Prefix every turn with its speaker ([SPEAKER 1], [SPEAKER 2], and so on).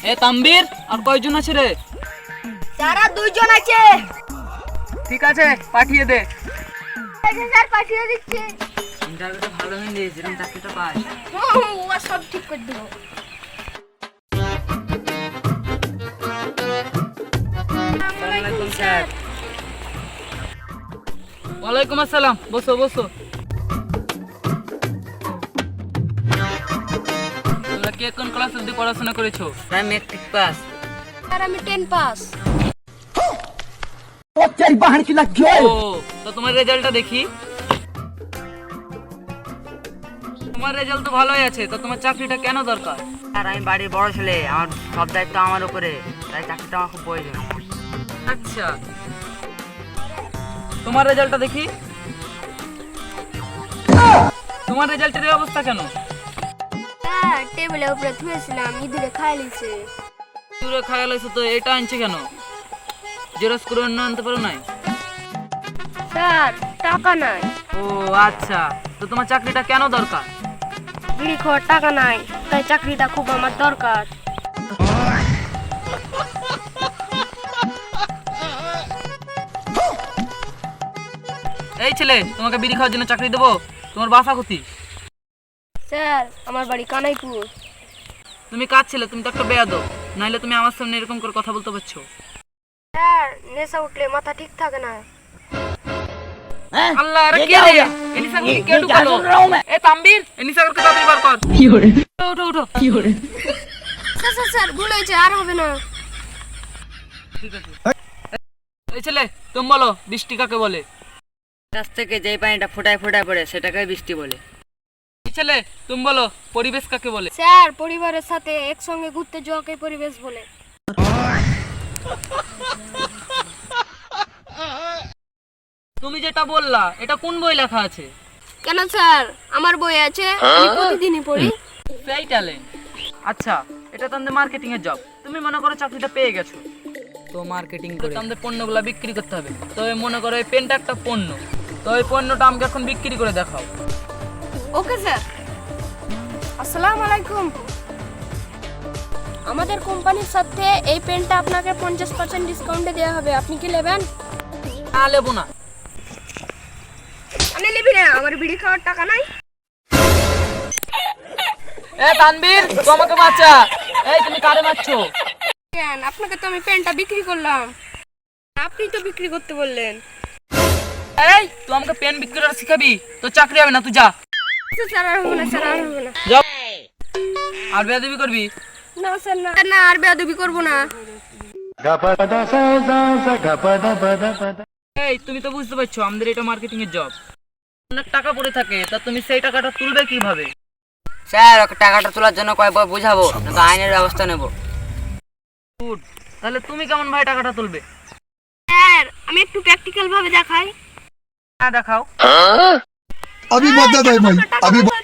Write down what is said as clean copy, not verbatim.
[SPEAKER 1] এ তাম্বির আর কয়জন আছে রে?
[SPEAKER 2] তারা দুইজন আছে।
[SPEAKER 1] ঠিক আছে পাঠিয়ে দে।
[SPEAKER 2] স্যার পাঠিয়ে দিচ্ছি।
[SPEAKER 1] ইন্টারভিউটা ভালো হয়ে দিয়েছে, যেরকম চাকরিটা পাস।
[SPEAKER 2] ও সব ঠিক করে দেবো।
[SPEAKER 1] আসসালামু স্যার। ওয়ালাইকুম আসসালাম, বসো বসো। তোমরা কে কোন ক্লাস অবধি পড়াশোনা করেছো?
[SPEAKER 3] আমি মেট্রিক পাস।
[SPEAKER 2] স্যার আমি 10 পাস।
[SPEAKER 1] ও তো তোমার রেজাল্টটা দেখি। তোমার রেজাল্ট তো ভালোই আছে, তো তোমার চাকরিটা কেন দরকার?
[SPEAKER 3] আর আমি বাড়ির বড় ছেলে, আমার সব দায়িত্ব আমার উপরে, তাই চাকরিটা আমার খুব প্রয়োজন।
[SPEAKER 1] আচ্ছা, তোমার রেজাল্টটা দেখি। তোমার রেজাল্টের এই অবস্থা কেন?
[SPEAKER 2] স্যার টেবিলের উপরে থুয়েছিলাম, ইঁদুরে খাই লিছে।
[SPEAKER 1] দূরে খায়াল হয়েছে তো এটা আনছে কেন? জেরক্স করে অন্য আনতে পারো নাই?
[SPEAKER 2] স্যার টাকা নাই।
[SPEAKER 1] ও আচ্ছা, তো তোমার চাকরিটা কেন দরকার?
[SPEAKER 2] বিড়ি খাওয়ার টাকা নাই, তাই চাকরিটা খুব আমার দরকার।
[SPEAKER 1] এই ছেলে, তোমাকে বিড়ি খাওয়ার জন্য চাকরি দেবো? তোমার বাসা কোথায়?
[SPEAKER 2] স্যার আমার বাড়ি কানাইপুর।
[SPEAKER 1] তুমি কাজ ছেলে, তুমি তো একটা বেয়াদব, নাইলে তুমি আমার সামনে এরকম করে কথা বলতে পারছো?
[SPEAKER 2] স্যার নেশা উঠলে মাথা ঠিক থাকে না।
[SPEAKER 1] আল্লাহ, আরে কে রে? এনিসাগরকে কে ঢুকালো? এ তাম্বির, এনিসাগরকে তাড়াতাড়ি বার কর। উঠো উঠো।
[SPEAKER 2] স্যার স্যার স্যার ভুল হয়েছে, আর হবে না।
[SPEAKER 1] ঠিক আছে। এই ছেলে, তুমি বলো বৃষ্টি কাকে বলে?
[SPEAKER 3] কাছ থেকে যেই পানিটা ফোটায় ফোটায় পড়ে সেটাকে বৃষ্টি বলে।
[SPEAKER 1] এই ছেলে, তুমি বলো পরিবেশ কাকে বলে?
[SPEAKER 2] স্যার পরিবারের সাথে একসঙ্গে ঘুরতে যাওয়াকে পরিবেশ বলে।
[SPEAKER 1] তুমি যেটা বললা এটা কোন বই লেখা আছে?
[SPEAKER 2] কেন স্যার আমার বই আছে, আমি প্রতিদিনই পড়ি।
[SPEAKER 1] সেই ট্যালেন্ট। আচ্ছা, এটা তো আমাদের মার্কেটিং এর জব। তুমি মনে করো চাকরিটা পেয়ে গেছো,
[SPEAKER 3] তো মার্কেটিং করে
[SPEAKER 1] আমাদের পণ্যগুলো বিক্রি করতে হবে। তবে মনে করো এই পেনটা একটা পণ্য, তো এই পণ্যটা আমাকে এখন বিক্রি করে দেখাও।
[SPEAKER 2] Okay sir. আসসালামু আলাইকুম। আমাদের কোম্পানির সাথে এই পেনটা আপনাকে 50% ডিসকাউন্টে দেওয়া হবে, আপনি কি নেবেন?
[SPEAKER 1] না, লেবো না।
[SPEAKER 2] আমি নিবি না, আমার বিড়ি খাওয়ার টাকা নাই।
[SPEAKER 1] এ তানবীর, তুই আমাকে বাঁচা। এই তুমি কারে মারছো?
[SPEAKER 2] কেন, আপনাকে তো আমি পেনটা বিক্রি করলাম, আপনি তো বিক্রি করতে বললেন।
[SPEAKER 1] এই তুই আমাকে পেন বিক্রি করা শিখাবি? তো চাকরি হবে না, তুই যা।
[SPEAKER 2] স্যার আর হবে না, স্যার আর হবে না।
[SPEAKER 1] যাও। আর বেয়াদবি করবি?
[SPEAKER 2] না স্যার না, না আর বেয়াদবি করবো না।
[SPEAKER 1] এই তুমি তো বুঝতে পারছো আমাদের এটা মার্কেটিং এর জব, অনেক টাকা পড়ে থাকে, তা তুমি সেই টাকাটা তুলবে কিভাবে?
[SPEAKER 3] স্যার ওকে টাকাটা তোলার জন্য কয়েকবার বুঝাবো, নয়তো আইনের ব্যবস্থা নেব।
[SPEAKER 1] গুড। তাহলে তুমি কেমন ভাই টাকাটা তুলবে?
[SPEAKER 2] স্যার আমি একটু প্র্যাকটিক্যাল ভাবে দেখাই।
[SPEAKER 1] হ্যাঁ দেখাও।
[SPEAKER 4] अभी मत दे भाई अभी